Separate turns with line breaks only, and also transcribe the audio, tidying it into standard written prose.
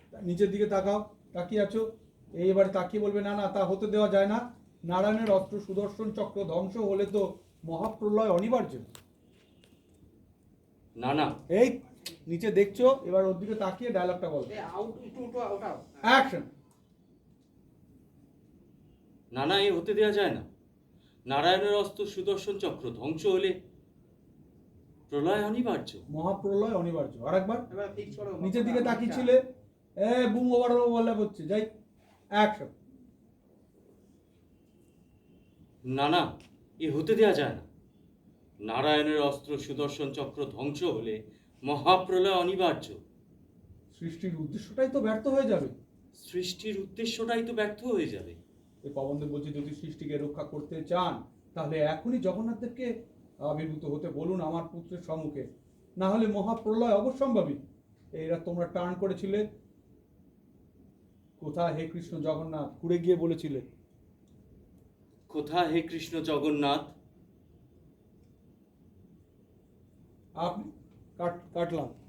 নিচের দিকে তাকাও, তাকিয়ে আছো। এবারে তাকিয়ে বলবে না না, তা হতে দেওয়া যায় না। নারায়ণের অস্ত্র সুদর্শন চক্র ধ্বংস হলে তো মহাপ্রলয় অনিবার্য।
না না।
এই নিচে দেখছো, এবার ওর দিকে তাকিয়ে ডায়লগটা বলো। অ্যাকশন।
না না, এ হতে দেওয়া যায় না। নারায়ণের অস্ত্র সুদর্শন চক্র ধ্বংস হলে প্রলয় অনিবার্য।
মহাপ্রলয় অনিবার্য। আরেকবার নিচের দিকে তাকিয়েছিলে, বুম ওভার বলে হচ্ছে। যাই, অ্যাকশন।
না না, এ হতে দেওয়া যায় না। নারায়ণের অস্ত্র সুদর্শন চক্র ধ্বংস হলে মহাপ্রলয় অনিবার্য।
সৃষ্টির উদ্দেশ্যটাই তো ব্যর্থ হয়ে যাবে।
সৃষ্টির উদ্দেশ্যটাই তো ব্যর্থ হয়ে যাবে।
এই পবনদেব বলছে, যদি সৃষ্টিকে রক্ষা করতে চান তাহলে এখনই জগন্নাথদেবকে আবির্ভূত হতে বলুন আমার পুত্রের সম্মুখে, না হলে মহাপ্রলয় অবশ্যম্ভাবী। এরা তোমরা টার্ন করেছিলে, কোথায় হে কৃষ্ণ জগন্নাথ ঘুরে গিয়ে বলেছিলে।
কোথা হে কৃষ্ণ জগন্নাথ।
আপনি কাটলাম।